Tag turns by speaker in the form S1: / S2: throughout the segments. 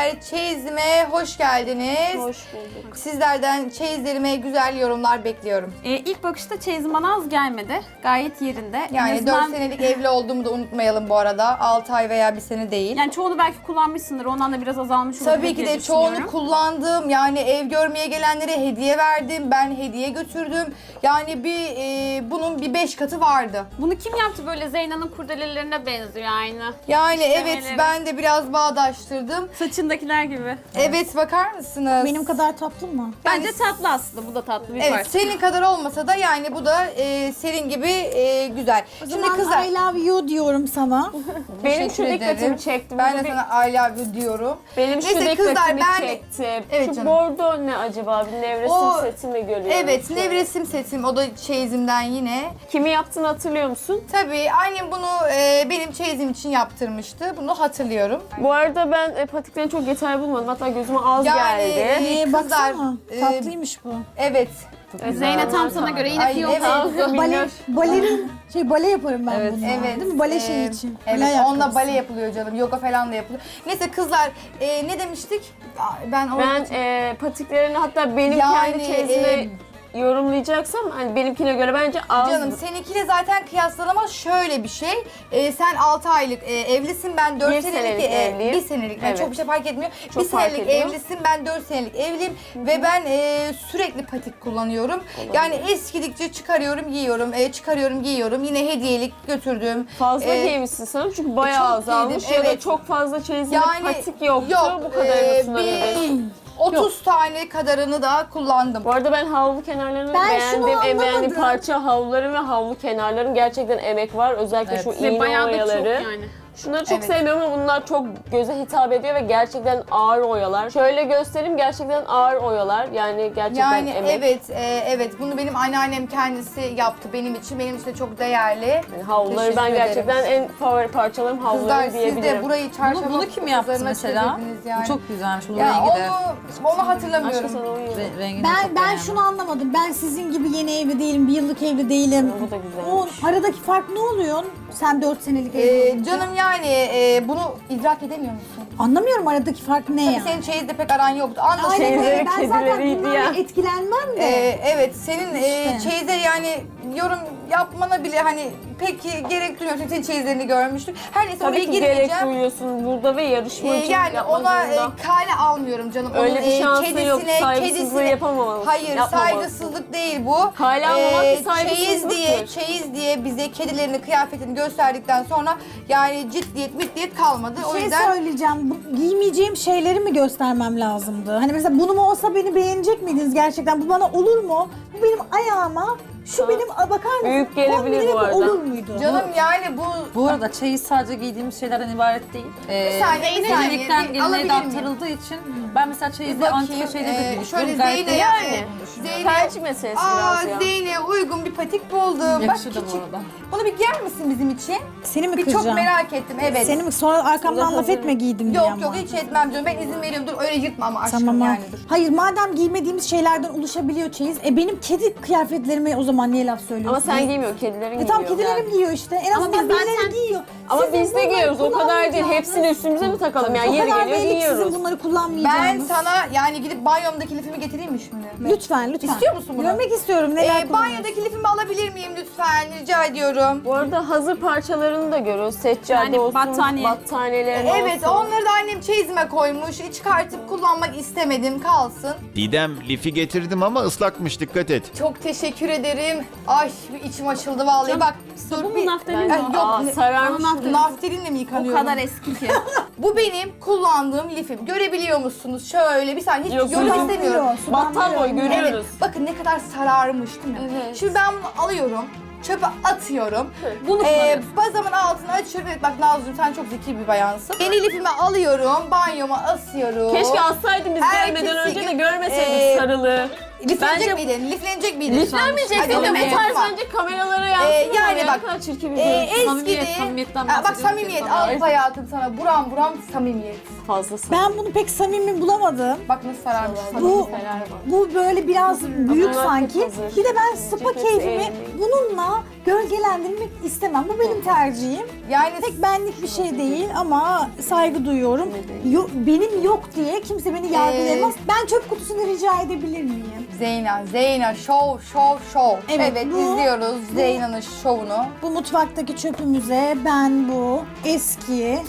S1: hanımlar, çeyizime hoş geldiniz.
S2: Hoş bulduk.
S1: Sizlerden çeyizlerime güzel yorumlar bekliyorum.
S3: İlk bakışta çeyizim bana az gelmedi. Gayet yerinde.
S1: Yani
S3: En azından-
S1: 4 senelik evli olduğumu da unutmayalım bu arada. 6 ay veya 1 sene değil.
S3: Yani çoğunu belki kullanmışsındır. Ondan da biraz azalmış olabilir
S1: Tabii ki
S3: diye
S1: de çoğunu
S3: düşünüyorum.
S1: kullandım. Yani ev görmeye gelenlere hediye verdim. Ben hediye götürdüm. Yani bunun bir 5 katı vardı.
S3: Bunu kim yaptı böyle Zeyna'nın kurdelelerine benziyor aynı.
S1: Yani evet,
S3: İşlemeleri.
S1: ben de biraz bağdaştırdım.
S3: Saçındakiler gibi.
S1: Evet, bakar mısınız?
S4: Benim kadar tatlı mı?
S3: Bence tatlı aslında. Bu da tatlı bir
S1: Evet,
S3: parça.
S1: senin kadar olmasa da yani bu da senin gibi güzel.
S4: O
S1: Şimdi
S4: zaman
S1: kızlar,
S4: I love you diyorum sana.
S2: Benim şu
S1: teşekkür
S2: dikkatimi
S1: ederim.
S2: çekti.
S1: Ben de
S2: Burada
S1: sana I love you diyorum.
S2: benim şu
S1: Neyse kızlar,
S2: dikkatimi
S1: ben-
S2: çekti.
S1: Evet
S2: şu
S1: canım.
S2: bordo ne acaba? Bir nevresim
S1: O-
S2: seti mi görüyorum?
S1: Evet,
S2: şöyle?
S1: nevresim setim, o da çeyizimden yine.
S2: Kimi yaptığını hatırlıyor musun?
S1: Tabii annem bunu benim çeyizim için yaptırmıştı. Bunu hatırlıyorum.
S2: Bu arada ben patiklerini çok yeterli bulmadım. Hatta gözüme az
S1: Yani,
S2: geldi.
S1: kızlar,
S4: Baksana. Tatlıymış bu.
S1: Evet.
S3: Zeynep tam sana göre yine
S1: Ay,
S3: fiyonk
S1: evet.
S3: oldu.
S4: Bale yaparım ben bununla.
S1: Evet.
S4: Değil mi? Bale şeyi için.
S1: Evet,
S4: Bale
S1: onunla
S4: ayakkabısı.
S1: bale yapılıyor canım. Yoga falan da yapılıyor. Neyse kızlar, ne demiştik? Ben
S2: Patiklerini hatta benim
S1: Yani,
S2: kendi çeyizime yorumlayacaksam hani benimkine göre bence az.
S1: canım seninkiyle zaten kıyaslanamaz. Şöyle bir şey. Sen 6 aylık evlisin, ben 4
S2: Bir
S1: senelik
S2: senelik evliyim.
S1: 1 senelik. Yani
S2: Evet.
S1: çok bir şey fark etmiyor.
S2: Çok
S1: 1
S2: fark
S1: senelik
S2: ediyor.
S1: evlisin, ben 4 senelik evliyim ve ben sürekli patik kullanıyorum. Yani eskidikçe çıkarıyorum, giyiyorum, çıkarıyorum, giyiyorum. Yine hediyelik götürdüm.
S2: Fazla
S1: E,
S2: giymişsin sanırım çünkü bayağı
S1: çok
S2: azalmış
S1: giydim,
S2: ya da
S1: evet.
S2: çok fazla çeyizinde
S1: Yani
S2: patik yoktu.
S1: yok,
S2: Bu kadarını sunabilir.
S1: bir 30 tane kadarını da kullandım.
S2: Bu arada ben havlu kenarlarını
S4: Ben şunu
S2: beğendim. En beğendiğim
S4: anlamadım.
S2: parça havluların ve havlu kenarların gerçekten emek var. Özellikle şu
S3: Ve
S2: iğne
S3: bayağı da çok
S2: oyaları.
S3: yani.
S2: Şunları çok
S1: Evet.
S2: sevmiyorum ama bunlar çok göze hitap ediyor ve gerçekten ağır oyalar. Şöyle göstereyim, gerçekten ağır oyalar. Yani gerçekten
S1: Yani
S2: emek.
S1: evet, bunu benim anneannem kendisi yaptı benim için. Benim için de çok değerli.
S2: Yani havluları
S1: Teşekkür
S2: ben
S1: ederim.
S2: gerçekten en favori parçalarım havluları
S1: Kızlar siz
S2: diyebilirim.
S1: de burayı çarşamba
S5: Bunu kim yaptı
S1: pazarına
S5: mesela?
S1: çevirdiniz yani.
S5: Bu çok güzelmiş. Bu
S1: ya
S5: rengi de.
S1: onu
S2: Aşkı
S1: hatırlamıyorum.
S2: sana uyuyor.
S5: Rengini de
S4: Ben
S5: çok
S4: ben
S5: beğendim.
S4: şunu anlamadım. Ben sizin gibi yeni evli değilim, bir yıllık evli değilim.
S2: Bu da güzelmiş.
S4: O aradaki fark ne oluyor? Sen 4 senelik evli olunca.
S1: Canım yani bunu idrak edemiyor musun?
S4: Anlamıyorum aradaki fark ne yani?
S1: Senin çeyizde pek aran yoktu. Anla
S4: Aynen
S1: şeyleri.
S4: öyle.
S2: Çeyizleri
S4: Ben zaten
S2: kedileriydi
S4: bunlarla
S2: ya.
S4: etkilenmem de.
S1: Evet, senin
S4: İşte.
S1: çeyizde yani yorum yapmana bile hani pek gerek duymuyorum. Çünkü senin çeyizlerini görmüştük. Her neyse oraya
S2: Tabii ki gerek
S1: girmeyeceğim.
S2: duyuyorsun burada ve yarışma için
S1: Yani
S2: yapmak
S1: ona
S2: zorunda.
S1: kale almıyorum canım.
S2: Öyle
S1: Onun,
S2: bir şansı yok. Saygısızlığı yapamamalısın.
S1: Hayır,
S2: Yapmamalısın.
S1: saygısızlık değil bu.
S2: Kale almamak bir saygısızlıktır.
S1: Çeyiz diye bize kedilerini, kıyafetini gösterdikten sonra yani ciddiyet kalmadı.
S4: Bir
S1: O
S4: şey
S1: yüzden
S4: söyleyeceğim. Bu, giymeyeceğim şeyleri mi göstermem lazımdı? Hani mesela bunu mu olsa beni beğenecek miydiniz gerçekten? Bu bana olur mu? Bu benim ayağıma, şu
S2: Ha.
S4: benim bakar mısın?
S2: Büyük gelebilir
S4: Kombinime
S2: bu arada.
S4: Olur muydu?
S1: canım yani
S5: Bu arada çeyiz sadece giydiğimiz şeylerden ibaret değil.
S1: Bir saniye,
S5: Gelenekten
S1: bir
S5: geleneğe de
S1: alabilir miyim?
S5: aktarıldığı için ben mesela çeyizde antika şeyleri de
S1: şöyle
S5: büyütüyorum. Gayet de
S1: Zeynep,
S2: Tercih meselesi biraz ya.
S1: Zeynep'e uygun bir patik buldum.
S5: yakışır da
S1: Bak
S5: bu
S1: küçük.
S5: arada.
S1: Bunu bir giyer misin bizim için?
S4: Seni mi
S1: Bir çok
S4: kıracağım?
S1: merak ettim, evet.
S4: Seni mi? Sonra arkamdan
S2: Burada
S4: laf
S2: hazır.
S4: etme giydim diye
S1: Yok
S4: ama.
S1: yok, hiç etmem canım. Ben izin veriyorum. Dur öyle yırtma ama aşkım
S4: Tamam.
S1: yani dur.
S4: Hayır, madem giymediğimiz şeylerden oluşabiliyor çeyiz. Benim kedi kıyafetlerime o zaman niye laf söylüyorsun?
S2: Ama sen giymiyorsun, kedilerin
S4: Tamam,
S2: giyiyor.
S4: kedilerim giyiyor işte. En
S3: Ama
S4: azından
S3: biz
S4: birileri
S3: zaten-
S4: giyiyor.
S2: Ama
S4: Sizin
S2: biz de
S4: bunları
S2: giyiyoruz, o kadar değil.
S4: kullanmayacağınız-
S2: Hepsini üstümüze mi takalım? Yani
S4: O
S2: yeri
S4: kadar
S2: geliyor
S4: belli ki
S2: giyiyoruz.
S4: sizin bunları
S1: Ben
S4: kullanmayacağınız.
S1: sana yani gidip banyomdaki lifimi getireyim mi şimdi?
S4: Lütfen.
S1: İstiyor musun bunu?
S4: Görmek istiyorum. Neler kullanıyorsun?
S1: Banyodaki lifimi alabilir miyim lütfen? Rica ediyorum.
S2: Bu arada hazır parçalarını da görüyoruz. Seccade
S3: Yani
S2: olsun,
S3: battaniye.
S2: battaniyelerin
S1: Evet,
S2: olsun.
S1: onları da annem çeyizime koymuş. Çıkartıp kullanmak istemedim, kalsın.
S6: Didem lifi getirdim ama ıslakmış, dikkat et.
S1: Çok teşekkür ederim. Ay bir içim açıldı vallahi. Bak dur
S3: Bu
S1: bir...
S3: naftalin
S1: Ay,
S3: mi?
S1: yok,
S2: Aa, sararmış.
S1: Nafterinle mi
S3: O
S1: yıkanıyorum?
S3: kadar eski ki.
S1: Bu benim kullandığım lifim. Görebiliyor musunuz? Şöyle bir saniye, hiç
S2: Yok,
S1: yorum
S2: yok.
S1: istemiyorum.
S2: Battal boy
S1: Evet,
S2: görüyoruz.
S1: bakın ne kadar sararmış değil mi?
S2: Evet.
S1: Şimdi ben bunu alıyorum, çöpe atıyorum.
S3: Bunu kullanıyorsun.
S1: Bazamın altını açıyorum. Evet bak Nazlı'cığım, sen çok zeki bir bayansın. Yeni lifimi alıyorum, banyoma asıyorum.
S2: Keşke assaydın biz
S1: Ertesi
S2: gelmeden önce de
S1: gün,
S2: görmeseydik sarılı.
S1: Liflenecek
S2: Bence-
S1: miydin? Liflenecek miydin?
S2: Liflenmeyeceksin
S1: Hadi
S2: de
S1: onu
S2: bu tarz
S1: unutma.
S2: bence kameralara yansın.
S1: yani bak,
S2: Ne kadar çirkin bir görüntü.
S1: Eskidi.
S5: Samimiyet, samimiyetten
S1: Bak
S5: bahsediyorum.
S1: samimiyet, al hayatım sana. Buram buram samimiyet.
S2: fazlası.
S4: Ben bunu pek samimi bulamadım.
S1: Bak nasıl sararmış.
S4: Bu böyle biraz büyük
S2: Bunlar
S4: sanki.
S2: hep hazır.
S4: Bir de ben spa
S2: Hepsi
S4: keyfimi
S2: eğlenceli.
S4: bununla gölgelendirmek istemem. Bu benim tercihim.
S1: Yani
S4: Pek benlik bir şey değil ama saygı duyuyorum. Benim yok diye kimse beni yargılayamaz. Ben çöp kutusunu rica edebilir miyim?
S1: Zeyna şov.
S4: Evet,
S1: Evet,
S4: bu-
S1: izliyoruz Zeyna'nın şovunu.
S4: Bu mutfaktaki çöpümüze ben bu eski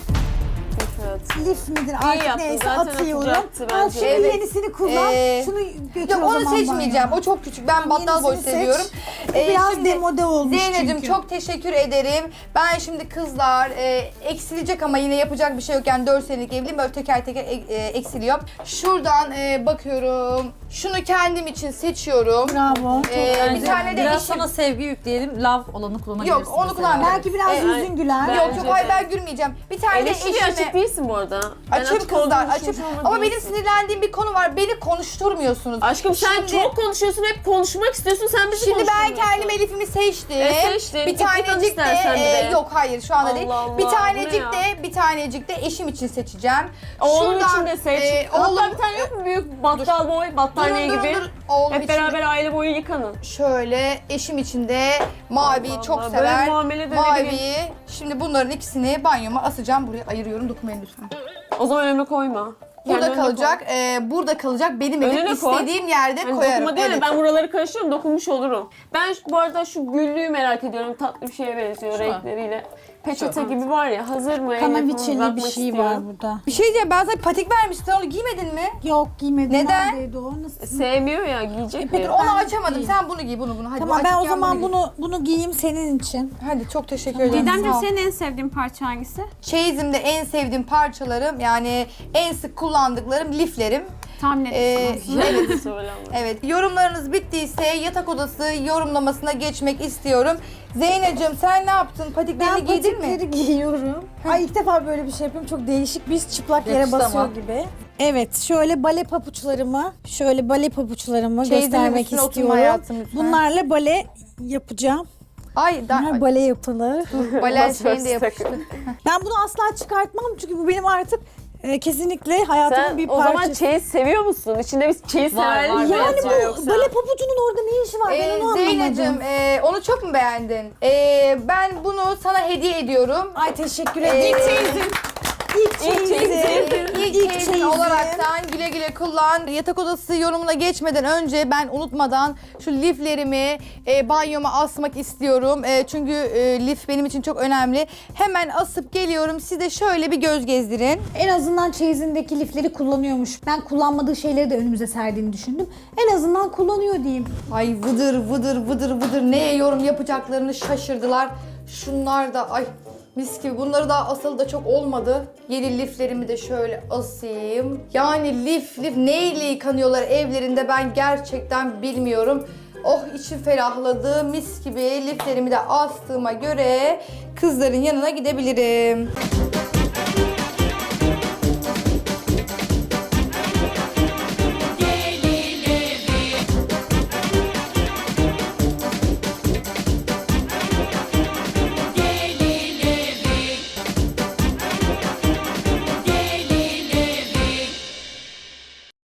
S2: Evet.
S4: lif midir artık
S2: yaptın,
S4: neyse
S2: zaten
S4: atıyorum.
S2: atacaktı
S4: Al
S2: bence.
S4: şunu
S1: Evet.
S4: yenisini kullan. Şunu götür
S1: Yok
S4: o
S1: onu
S4: zaman
S1: seçmeyeceğim.
S4: banyoya.
S1: O çok küçük. Ben battal boy
S4: Yenisini seç.
S1: seviyorum.
S4: Bu biraz
S1: Şimdi
S4: demode olmuş
S1: Zeynep'ciğim
S4: çünkü.
S1: çok teşekkür ederim. Ben şimdi kızlar eksilecek ama yine yapacak bir şey yok. Yani 4 senelik evliyim. Böyle teker teker eksiliyor. Şuradan bakıyorum. Şunu kendim için seçiyorum.
S4: Bravo.
S1: Bir tane de
S5: Biraz
S1: eşim.
S5: sana sevgi yükleyelim. Love olanı kullanabilirsin.
S1: Yok onu
S5: mesela.
S1: kullanmıyorum.
S4: Belki biraz yüzün güler.
S2: ben-
S1: Yok
S2: Bence
S1: hayır
S2: de.
S1: ben gülmeyeceğim. Bir tane de
S2: Eleştiriye açık
S1: eşime...
S2: değilsin bu arada. Ben
S1: Açım
S2: açık olduğunu
S1: kızlar açım.
S2: düşünmüyorum
S1: Ama benim
S2: değilsin.
S1: sinirlendiğim bir konu var. Beni konuşturmuyorsunuz.
S2: Aşkım sen
S1: Şimdi-
S2: çok konuşuyorsun, hep konuşmak istiyorsun, sen bizi
S1: Şimdi ben
S2: konuşturmuyorsun.
S1: kendim Elif'imi seçtim.
S2: Seçtin.
S1: Bir
S2: Git bakalım
S1: tanecik
S2: istersen
S1: de,
S2: bir de.
S1: yok hayır şu anda
S2: Allah
S1: değil.
S2: Allah,
S1: Bir
S2: bu
S1: tanecik
S2: ne
S1: bir tanecik de eşim için seçeceğim.
S2: Oğlum
S1: Şuradan,
S2: için de seç.
S1: oğlum,
S2: Hatta bir tane yok mu büyük battal boy, battaniye
S1: durun,
S2: gibi?
S1: durun. Oğlum
S2: Hep
S1: için de-
S2: beraber aile boyu yıkanın.
S1: Şöyle eşim için de maviyi
S2: Allah
S1: çok
S2: Allah,
S1: sever.
S2: böyle muamele de ne
S1: Maviyi. Şimdi bunların ikisini banyoma asacağım. Buraya ayırıyorum. Dokunmayın lütfen.
S2: O zaman önüme koyma.
S1: Burada
S2: Kendi önüne
S1: kalacak. Burada kalacak. Benim evim
S2: Önüne koy.
S1: istediğim yerde
S2: Hani
S1: koyarım.
S2: dokunma değil de
S1: Evet.
S2: ben buraları karıştırıyorum, dokunmuş olurum. Ben bu arada şu güllüğü merak ediyorum. Tatlı bir şeye benziyor renkleriyle. Peçete gibi var ya, hazır mı? Elle falan
S4: Kanaviçeli bir
S2: bırakmak
S4: şey
S2: istiyorum.
S4: var burada.
S1: Bir şey diyeceğim. Ben sana patik vermiştim. Sen onu giymedin mi?
S4: Yok giymedim.
S1: Neden?
S4: Neredeydi o? Nasıl?
S2: Sevmiyor ya, giyecek
S1: Peki
S2: mi?
S1: onu
S4: Ben
S1: açamadım.
S4: giyeyim.
S1: Sen bunu giy, bunu. Hadi
S4: Tamam
S1: bu
S4: ben o
S1: açıkken
S4: zaman
S1: giy.
S4: bunu giyeyim senin için.
S1: Hadi çok teşekkür ederim.
S3: Didemciğim
S1: Sağ ol.
S3: senin en sevdiğin parça hangisi?
S1: Çeyizimde en sevdiğim parçalarım yani en sık kullandıklarım liflerim.
S3: Tahmin ettim aslında.
S1: Evet.
S2: Söyle ama.
S1: Evet, yorumlarınız bittiyse yatak odası yorumlamasına geçmek istiyorum. Zeynep'ciğim sen ne yaptın? Patiklerini
S4: Ben
S1: giydin mi?
S4: patikleri giyiyorum. Ay ilk defa böyle bir şey yapıyorum. Çok değişik. Biz çıplak yere
S1: Yakıştı
S4: basıyor
S1: ama.
S4: gibi. Evet, şöyle bale papuçlarımı
S1: Çeyizimin
S4: göstermek
S1: üstüne oturma
S4: istiyorum.
S1: hayatım lütfen.
S4: Bunlarla bale yapacağım.
S1: Ay,
S4: Bunlar bale yapılır.
S1: balen şeyini de yapıştı.
S4: Ben bunu asla çıkartmam çünkü bu benim artık kesinlikle hayatımın
S2: Sen
S4: bir
S2: o
S4: parçası.
S2: zaman çeyiz seviyor musun? İçinde biz çeyiz
S5: Var,
S2: severlik
S5: var.
S2: mi
S4: Yani
S2: yazıyor
S4: bu
S2: yoksa?
S4: bale papucunun orada ne işi var ben onu
S1: Zeynep'ciğim
S4: anlamadım.
S1: onu çok mu beğendin? Ben bunu sana hediye ediyorum.
S4: Ay teşekkür ederim. İlk
S1: İlk olaraktan güle güle kullan. Yatak odası yorumuna geçmeden önce ben unutmadan şu liflerimi banyoma asmak istiyorum. Çünkü lif benim için çok önemli. Hemen asıp geliyorum. Siz de şöyle bir göz gezdirin.
S4: En azından çeyizindeki lifleri kullanıyormuş. Ben kullanmadığı şeyleri de önümüze serdiğini düşündüm. En azından kullanıyor diyeyim.
S1: Ay vıdır neye yorum yapacaklarını şaşırdılar. Şunlar da ay mis gibi. Bunları daha asalı da çok olmadı. Yeni liflerimi de şöyle asayım. Yani lif neyle yıkanıyorlar evlerinde ben gerçekten bilmiyorum. Oh içim ferahladı. Mis gibi liflerimi de astığıma göre kızların yanına gidebilirim.